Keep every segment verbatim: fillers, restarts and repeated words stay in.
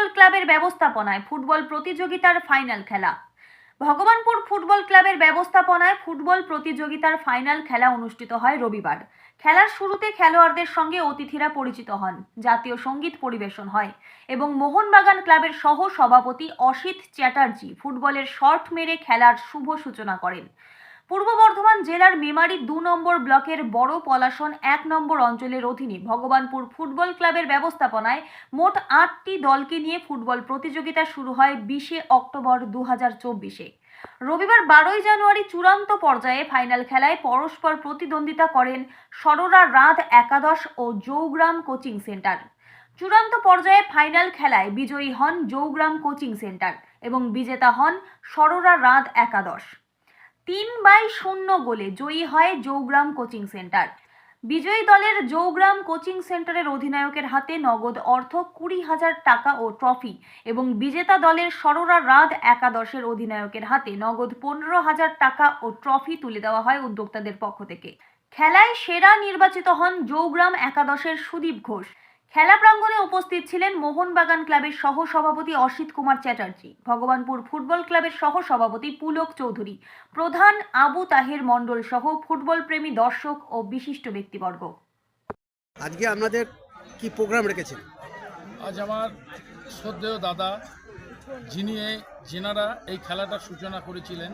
Football ক্লাবের ব্যবস্থাপনায় football প্রতিযোগিতার ফাইনাল খেলা। ভগবানপুর ফুটবল ক্লাবের ব্যবস্থাপনায় ফুটবল প্রতিযোগিতার ফাইনাল খেলা অনুষ্ঠিত হয় রবিবার। খেলার শুরুতে খেলোয়াড়দের সঙ্গে অতিথিরা পরিচিত হন, জাতীয় সঙ্গীত পরিবেশন হয় এবং মোহনবাগান ক্লাবের সহ সভাপতি অসিত চ্যাটার্জি ফুটবলের শট মেরে খেলার শুভ সূচনা করেন। পূর্ব বর্ধমান জেলার মেমারি দু নম্বর ব্লকের বড় পলাশন এক নম্বর অঞ্চলের অধীনে ভগবানপুর ফুটবল ক্লাবের ব্যবস্থাপনায় মোট আটটি দলকে নিয়ে ফুটবল প্রতিযোগিতা শুরু হয় বিশে অক্টোবর দু হাজার চব্বিশে। রবিবার বারোই জানুয়ারি চূড়ান্ত পর্যায়ে ফাইনাল খেলায় পরস্পর প্রতিদ্বন্দ্বিতা করেন সরোরা রাত একাদশ ও জৌগ্রাম কোচিং সেন্টার। চূড়ান্ত পর্যায়ে ফাইনাল খেলায় বিজয়ী হন জৌগ্রাম কোচিং সেন্টার এবং বিজেতা হন সরোরা রাত একাদশ। তিন বাই শূন্য গোলে জয়ী হয় জৌগ্রাম কোচিং সেন্টার। বিজয়ী দলের জৌগ্রাম কোচিং সেন্টারের অধিনায়কের হাতে নগদ অর্থ কুড়ি হাজার টাকা ও ট্রফি এবং বিজেতা দলের সরোরা রাত একাদশের অধিনায়কের হাতে নগদ পনেরো হাজার টাকা ও ট্রফি তুলে দেওয়া হয় উদ্যোক্তাদের পক্ষ থেকে। খেলায় সেরা নির্বাচিত হন জৌগ্রাম একাদশের সুদীপ ঘোষ। খেলা প্রাঙ্গণে উপস্থিত ছিলেন মোহনবাগান ক্লাবের সহ সভাপতি অসিত কুমার চ্যাটার্জি, ভগবানপুর ফুটবল ক্লাবের সহ সভাপতি পুলক চৌধুরী, প্রধান আবু তাহের মণ্ডল সহ ফুটবল প্রেমী দর্শক ও বিশিষ্ট ব্যক্তিবর্গ। আজকে আপনাদের কি প্রোগ্রাম রেখেছেন? আজ আমার শ্রদ্ধেয় দাদা, যিনি যেনারা এই খেলাটার সূচনা করেছিলেন,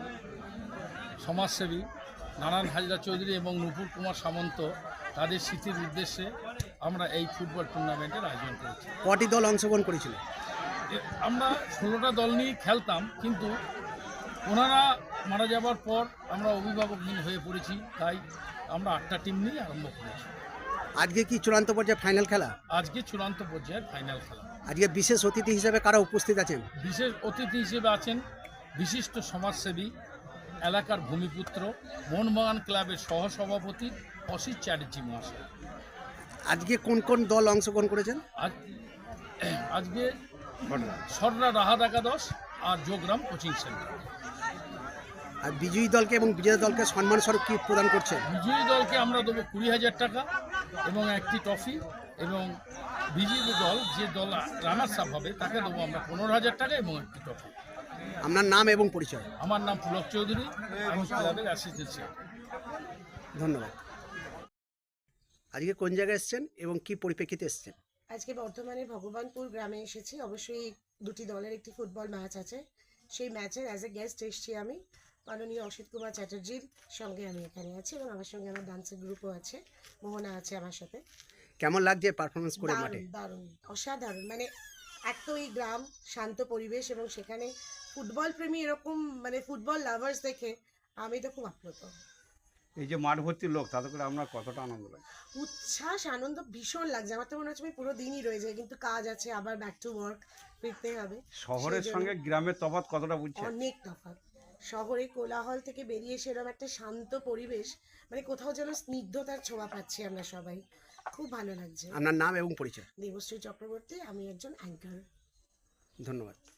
সমাজসেবী নারায়ণ হাজরা চৌধুরী এবং নুপুর কুমার সামন্ত, তাদের স্মৃতির উদ্দেশ্যে আমরা এই ফুটবল টুর্নামেন্টের আয়োজন করেছি। কটি দল অংশগ্রহণ করেছিল? আমরা ষোলোটা দল নিয়ে খেলতাম, কিন্তু ওনারা মারা যাবার পর আমরা অভিভাবকহীন হয়ে পড়েছি, তাই আমরা আটটা টিম নিয়ে আরম্ভ করেছি। আজকে কি চূড়ান্ত পর্যায়ে ফাইনাল খেলা? আজকে চূড়ান্ত পর্যায়ের ফাইনাল খেলা। আজকে বিশেষ অতিথি হিসেবে কারা উপস্থিত আছেন? বিশেষ অতিথি হিসেবে আছেন বিশিষ্ট সমাজসেবী, এলাকার ভূমিপুত্র, মোহনবাগান ক্লাবের সহসভাপতি অসিত চ্যাটার্জি মহাশয়। আজকে কোন কোন দল অংশগ্রহণ করেছেন? আজ আজকে সররা রাহাত একাদশ আর জৌগ্রাম কোচিং সেন্টার। আর বিজয়ী দলকে এবং বিজয়ী দলকে সম্মান স্বরূপ কি প্রদান করছেন? বিজয়ী দলকে আমরা দেবো কুড়ি হাজার টাকা এবং একটি ট্রফি, এবং বিজয়ী দল যে দল রানার্স আপ হবে তাকে দেবো আমরা পনেরো হাজার টাকা এবং একটি ট্রফি। আপনার নাম এবং পরিচয়? আমার নাম পুলক চৌধুরী, আমি ক্লাবের অ্যাসিস্ট্যান্ট সেক্রেটারি। ধন্যবাদ। আজকে কোন জায়গায় এসেছেন এবং কি পরিপ্রেক্ষিতে এসেছেন? আজকে বর্ধমানের ভগবানপুর গ্রামে এসেছি। অবশ্যই দুটি দলের একটি ফুটবল ম্যাচ আছে, সেই ম্যাচের অ্যাজ এ গেস্ট এসেছি আমি। মাননীয় অসিত কুমার চ্যাটার্জির সঙ্গে আমি এখানে আছি এবং আমার সঙ্গে আমার ডান্সের গ্রুপও আছে, মোহনা আছে আমার সাথে। কেমন লাগছে পারফরমেন্স করে মাঠে? দারুণ, অসাধারণ। মানে এক তো এই গ্রাম, শান্ত পরিবেশ এবং সেখানে ফুটবল প্রেমী এরকম মানে ফুটবল লাভার্স দেখে আমি তো খুব আপ্লুত। এই যে মাঠ ভর্তি লোক, তাতে করে আপনার কতটা আনন্দ লাগে? উচ্ছ্বাস, আনন্দ ভীষণ লাগছে। আমার তো মনে হচ্ছে আমি পুরো দিনই রয়ে যাই, কিন্তু কাজ আছে, আবার ব্যাক টু ওয়ার্ক, ফিরতে হবে। শহরের সঙ্গে গ্রামের তফাৎ কতটা বুঝছেন? অনেক তফাৎ। শহরে কোলাহল থেকে বেরিয়ে সেরকম একটা শান্ত পরিবেশ, মানে কোথাও যেন স্নিগ্ধতার ছোঁয়া পাচ্ছি আমরা সবাই। খুব ভালো লাগছে। আপনার নাম এবং পরিচয়? দেবশ্রী চক্রবর্তী, আমি একজন অ্যাঙ্কার। ধন্যবাদ।